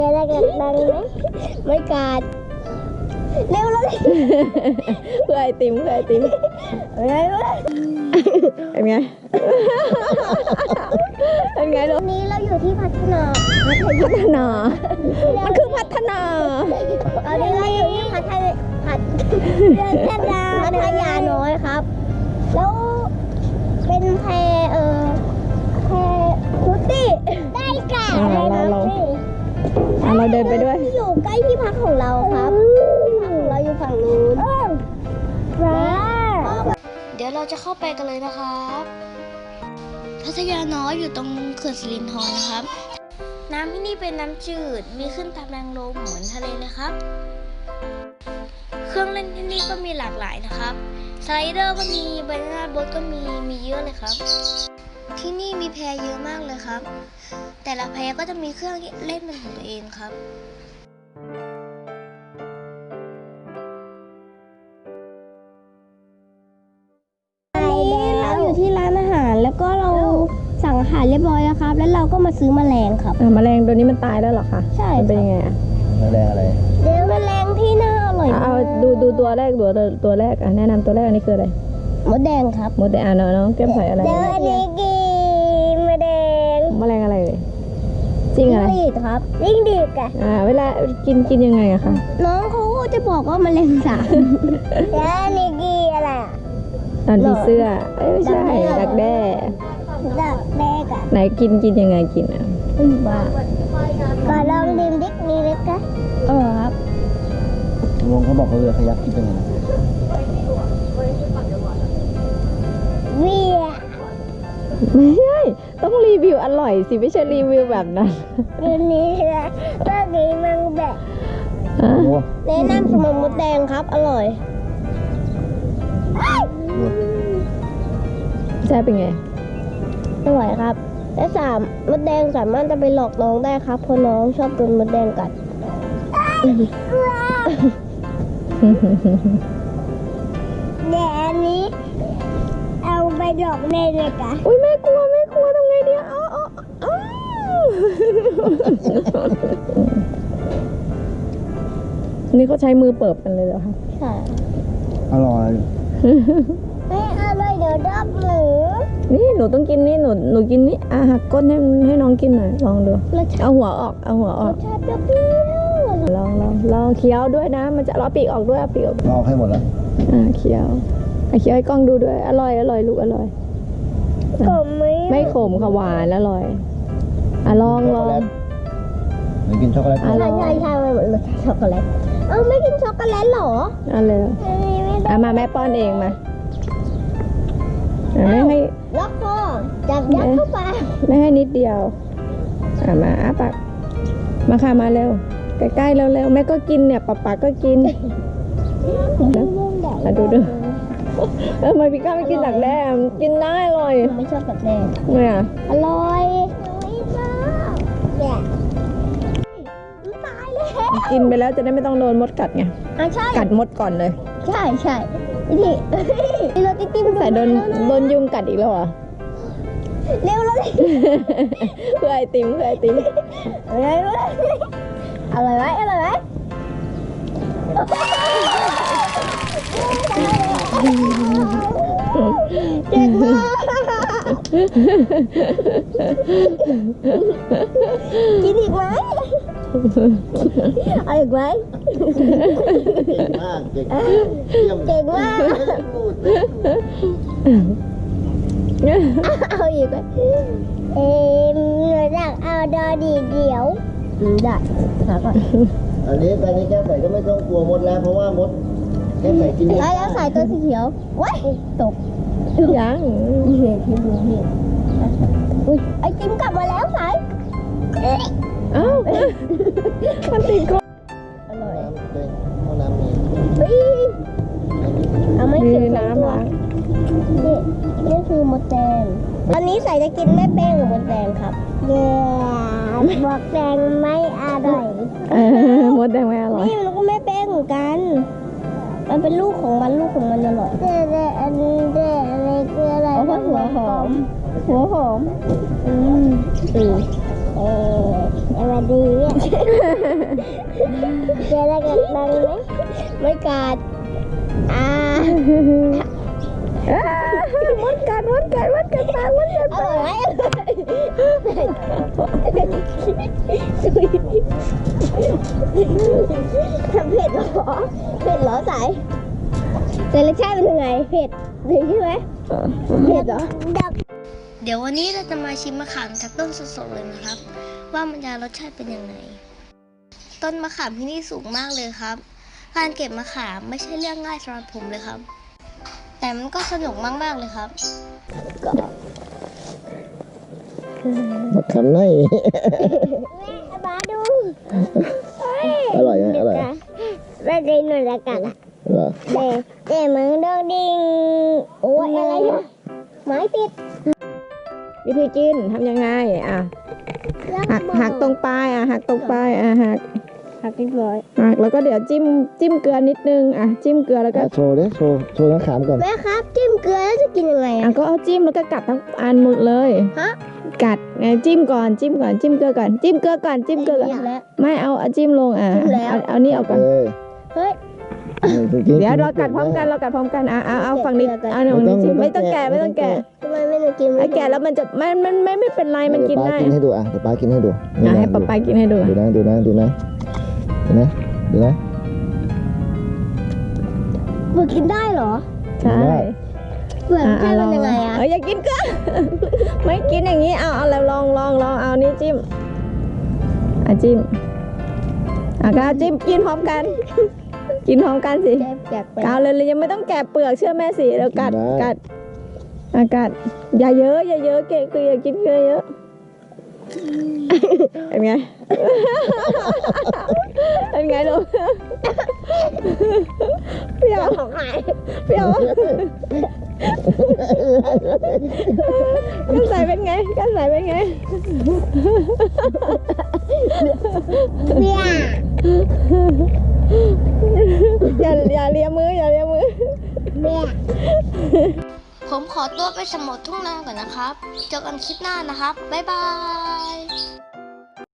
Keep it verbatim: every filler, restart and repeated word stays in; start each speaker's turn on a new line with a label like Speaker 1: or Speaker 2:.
Speaker 1: อะไรกันดังไหมไม่กัดเร็วเลย
Speaker 2: เพื่อไอติมเพื่อไอติม
Speaker 1: อะไรวะ
Speaker 2: เป็นไงเป็นไงลูก
Speaker 1: นี้เราอยู่ที่พัฒนา
Speaker 2: พัฒนามันคือพัฒนา
Speaker 1: ตอนนี้เราอยู่ที่พัฒนาพัฒนาพัทยาน้อยครับแล้วเป็นแพเออแพฟุตตี้ได้แก่
Speaker 2: เราเราเราเดินไปด้วย
Speaker 1: อยู่ใกล้ที่พักของเราครับที่พักของเราอยู่ฝั่งนู้นเดี๋ยวเราจะเข้าไปกันเลยนะครับพัทยาน้อยอยู่ตรงเขื่อนสิรินธรนะครับ น้ำที่นี่เป็นน้ำจืดมีขึ้นตามแรงลมเหมือนทะเลเลยครับเครื่องเล่นที่นี่ก็มีหลากหลายนะครับสไลเดอร์ก็มีบานาน่าโบ๊ทก็มีมีเยอะเลยครับที่นี่มีแพเยอะมากเลยครับแต่ละแพก็จะมีเครื่องเล่นเป็นของตัวเองครับเราอยู่ที่ร้านอาหารแล้วก็เราสั่งอาหารเรียบร้อยแล้วครับแล้วเราก็มาซื้อแมลงครับ
Speaker 2: แมลงตัวนี้มันตายแล้วเหรอคะ
Speaker 1: ใช่
Speaker 2: มันเป็นยังไงอะ
Speaker 3: แมลงอะไร
Speaker 1: เดี๋ยวแมลงที่น่าอร่อย
Speaker 2: เอาดูดูตัวแรกตัวตัวแรกอ่ะแนะนำตัวแรกอันนี้คืออะไร
Speaker 1: มดแดงครับ
Speaker 2: มดแดงอ่ะน้องน้องแก้มใส่อะไร
Speaker 1: เดี๋ยวอันนี้กินมดแดง
Speaker 2: แมลงอะไรเลยจริงอะไร
Speaker 1: จิ้งหรีดครับจิ้งหรีดอ่ะ
Speaker 2: อ่าเวลากินกินยังไงอะคะ
Speaker 1: น้องเขาจะบอกว่าแมลงสาบแล้วอันนี้กินอะไร
Speaker 2: ตอนผีเสื้อไม่ใช่ดักแด้
Speaker 1: ดักแด้กะ
Speaker 2: ไหนกินกินยังไงกินอ่ะ
Speaker 1: บ้าก็ลองดื่มดิ๊กนี่เลยกะเออครับ
Speaker 3: ลุงเขาบอกเขาเรือขยักคิดยังไง
Speaker 1: เวีย
Speaker 2: ไม่ใช่ต้องรีวิวอร่อยสิไม่ใช่รีวิวแบบนั้น
Speaker 1: อันนี้นะก็กินมังแบบแนะนำสมมติแดงครับอร่อย
Speaker 2: ใช่เป็นไง
Speaker 1: อร่อยครับและสามมดแดงสามารถจะไปหลอกน้องได้ครับเพราะน้องชอบโดนมดแดงกัดเดี๋ยวอันนี้เอาไปหลอกแม่เลยกะ
Speaker 2: อุ้ยแม่กลัวแม่กลัวทำไงดีอ๋ออ๋ออ๋อนี่เขาใช้มือเปิบกันเลยเหรอคะ
Speaker 1: ใช่
Speaker 3: อร่อย
Speaker 1: ไม่อร่อยเดี๋ยวดับหนู
Speaker 2: นี่หนูต้องกินนี่หนูหนูกินนี่อ่ะหักก้นให้ให้น้องกินหน่อยลองดูเอาหัวออกเอาหัวออก
Speaker 1: ชาเปรี้ยว
Speaker 2: ลองลองลองเคี้ยวด้วยนะมันจะเอาปีกออกด้วยเอาปีกออก
Speaker 3: ลองให้หมดแล้ว
Speaker 2: อ่าเคี้ยวอ่ะเคี้ยวให้กล้องดูด้วยอร่อยอร่อยลูกอร่อย
Speaker 1: ขมไหม
Speaker 2: ไม่ขมค่ะหวานอร่อยอ่ะลองลอง
Speaker 3: หนูกินช็อกโกแลต
Speaker 1: ใช่ใช่ใช่มันเหมือนช็อกโกแลตเอ้าไม่กินช็อกโกแลตหรอ
Speaker 2: อ่ะเลยอ่ะมาแม่ป้อนเองมาไม่ให้
Speaker 1: ล็อกคอจับยัดเข้าไป
Speaker 2: ไม่ให้นิดเดียวอ่ะมาอ้าปากมาค่ะมาเร็วใกล้ๆเร็วๆแม่ก็กินเนี่ยป๊าป๊าก็กินแล้วดูดูเออมาพี่ก้าไม่กินดักแด้กินได้อร่อย
Speaker 1: ไม่ชอบดักแด้
Speaker 2: เนี่ย
Speaker 1: อร่อยไม่ชอบเนี่ยตายเลย
Speaker 2: กินไปแล้วจะได้ไม่ต้องโดนมดกัดไงกัดมดก่อนเลย
Speaker 1: ใช่ใช่นี่เราติ๊กติ๊ก
Speaker 2: ใส่โดนโดนยุงกัดอีกแล้วอ่ะ
Speaker 1: เร็วเลย
Speaker 2: เพื่อไอติมเพื่อไอติม
Speaker 1: อะไรวะอะไรไหมอะไรไหมเก่งมากกินอีกไหมเอาอีกไหม
Speaker 3: เก่งมากเก่ง
Speaker 1: เก่งมากเอาอีกไหมเอ็มอยากเอาดอดีเดียวได้ค่ะก่อน
Speaker 3: อันนี้ตอนนี้แก้วใส่ก็ไม่ต้องกลัวมดแล้วเพราะว่ามดแก้วใส่กินได้
Speaker 1: แล้วใส่ตัวสีเขียวว้ายตก
Speaker 2: ยัง
Speaker 1: เห็นที่ดูเห็นอุ้ยไอติมกลับมาแล้วสาย
Speaker 2: เอ้ามันติดคอ
Speaker 1: อร่อย
Speaker 3: ห้องน้ำมี
Speaker 1: เอาไม่กิน
Speaker 2: น้ำล้าง
Speaker 1: นี่นี่คือมดแดงอันนี้ใส่จะกินแม่เป้งหรือมดแดงครับเย้มดแดงไม่อร่อย
Speaker 2: มดแดงไม่อร่อย
Speaker 1: นี่มันก็แม่เป้งเหมือนกันมันเป็นลูกของมันลูกของมันอร่อยเด็ดอันนี้เด็ดอะไรคืออะไร
Speaker 2: หัวหอมหัวหอม
Speaker 1: อืมอืมอออะไรดีเนี่ยเจออะไรกันบ้างไหมไม่กัดอ่าม
Speaker 2: ดกัดมดกัดมดกัดปากมดกัด
Speaker 1: อ
Speaker 2: ปา
Speaker 1: ร่อย
Speaker 2: ก
Speaker 1: ไหมทำเผ็ดเหรอเผ็ดเหรอสายแต่รสชาติเป็นยังไงเผ็ดถึงใช่ไหมเผ็ดเหรอเดี๋ยววันนี้เราจะมาชิมมะขามจากต้นสดๆเลยนะครับ ว่ามันจะรสชาติเป็นยังไง ต้นมะขามที่นี่สูงมากเลยครับ การเก็บมะขามไม่ใช่เรื่องง่ายสำหรับผมเลยครับ แต่มันก็สนุกมากๆเลยครับ
Speaker 3: มะขามไหน
Speaker 1: มาดู
Speaker 3: อร่อยไหมอร่อย
Speaker 1: ได้ดีหน่อยละกันอ่ะ
Speaker 3: เหรอ
Speaker 1: เด็เด็มึงโดนดิงโอ้ยอะไรนะไม้ติด
Speaker 2: วิธีกินทำยังไงอ่ะหักหักตรงปลายอ่ะหักตรงปลายอ่ะหัก
Speaker 1: หักเรียบร้อย
Speaker 2: หักแล้วก็เดี๋ยวจิ้มจิ้มเกลือนิดนึงอ่ะจิ้มเกลือแล้วก็
Speaker 3: อ่ะโชว์ดิโชว์โชว์มะขามก่อน
Speaker 1: แม่ครับจิ้มเกลือแล้วจะกินยังไง
Speaker 2: อ่ะ
Speaker 1: อ่ะ
Speaker 2: ก็เอาจิ้มแล้วก็กัดทั้งอันหมดเลย
Speaker 1: ฮะ
Speaker 2: กัดไงจิ้มก่อนจิ้มก่อนจิ้มเกลือก่อนจิ้มเกลือก่อนจิ้มเกลือก่อน
Speaker 1: แล้ว
Speaker 2: ไม่เอาเอาจิ้มลงอ่ะ
Speaker 1: จิ้มแล้ว
Speaker 2: เอาเอานี่เอาก่อน
Speaker 3: เอ้ย
Speaker 1: เฮ้ย
Speaker 2: เดี๋ยวเรากัดพร้อมกันเรากัดพร้อมกันอ่ะเอาเอาฝั่งนี้เอาหนึ่งนี้จิ้มไม่ต้องแกะไม่ต้องแกะ
Speaker 1: ทำไมไม่ได้กิน
Speaker 2: ไอ้แกะแล้วมันจะไม่มันไม่ไม่เป็นไรมันกินได้
Speaker 3: เดี๋ยวป้ากินให้ดูอ่ะเดี๋ยวป้ากินให้ดู
Speaker 2: อ่ะให้ป๊าป๊ากินให้ดู
Speaker 3: ดูนะดูนะดูนะดูนะดูนะ
Speaker 1: มันกินได้เหรอ
Speaker 2: ใช่
Speaker 1: เปลือกใช่มันยังไงอ่ะ
Speaker 2: เอออย่ากินก็ ไม่กินอย่างนี้เอาเอาแล้วลองลองลองเอานี่จิ้มอ่ะจิ้มอ่ะก็จิ้มกินพร้อมกัน กินพร้อมกันสิ
Speaker 1: แกะแกะไป
Speaker 2: เอาเลยเลยยังไม่ต้องแกะเปลือกเชื่อแม่สิแล้วกัดกัดอ่ะกัดอย่าเยอะอย่าเยอะเกะคืออย่ากินเยอะเยอะเป็นไง เป็นไงลูกเปรี้ยวเปรี้ยวกันใส่เป็นไงกันใส่เป็นไง
Speaker 1: เบี้ย
Speaker 2: อย่าอย่าเลียมืออย่าเลียมือ
Speaker 1: เบี้ยผมขอตัวไปสำรวจทุ่งนาก่อนนะครับ เจอกันคลิปหน้านะครับ บ๊ายบาย